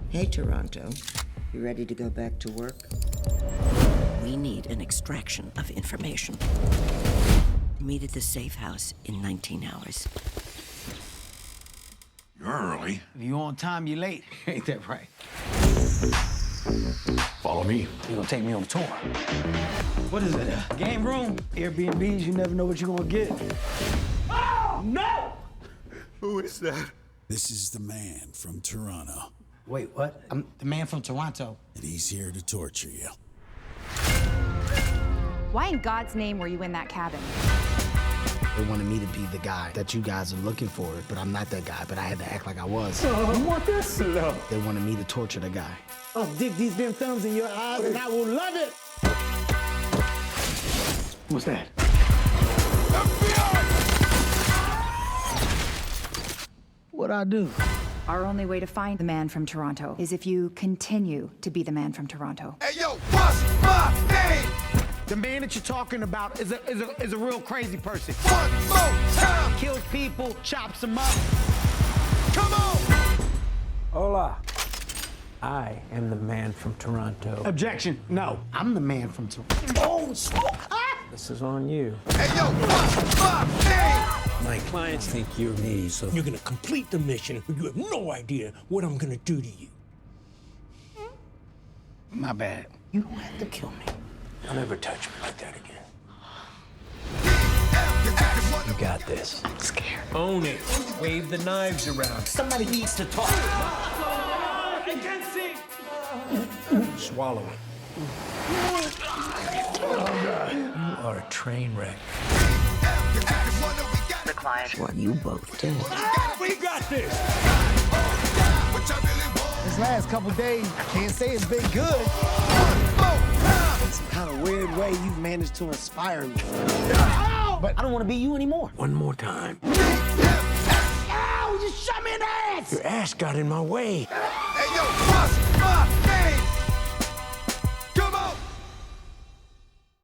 Hey, Toronto. You ready to go back to work? We need an extraction of information. Meet at the safe house in 19 hours. You're early. If you on time, you late. Ain't that right? Follow me. You gonna take me on a tour? What is it? Game room? Airbnbs, you never know what you're gonna get. Oh, no! Who is that? This is the man from Toronto, Wait, what? I'm the man from Toronto. and he's here to torture you. Why in God's name were you in that cabin? They wanted me to be the guy that you guys are looking for, but I'm not that guy, but I had to act like I was. You want this? No. They wanted me to torture the guy. I'll dig these damn thumbs in your eyes and I will love it. What's that? What'd I do? Our only way to find the man from Toronto is if you continue to be the man from Toronto. Hey, yo, what's my name? The man that you're talking about is a real crazy person. One more time. Kills people, chops them up. Come on. Hola. I am the man from Toronto. Objection. No, I'm the man from Toronto. Oh, smoke! This is on you. Hey, yo, what's my name? My clients think you're me, so you're gonna complete the mission, but you have no idea what I'm gonna do to you. My bad. You don't have to kill me. Don't ever touch me like that again. You got this. I'm scared. Own it. Wave the knives around. Somebody needs to talk. I can't see. Swallow it. You are a train wreck. The client. Well, you both did. We got this. This last couple days, I can't say it's been good. In some kind of weird way, you've managed to inspire me. But I don't want to be you anymore. One more time. Ow! You shot me in the ass! Your ass got in my way. Hey, yo,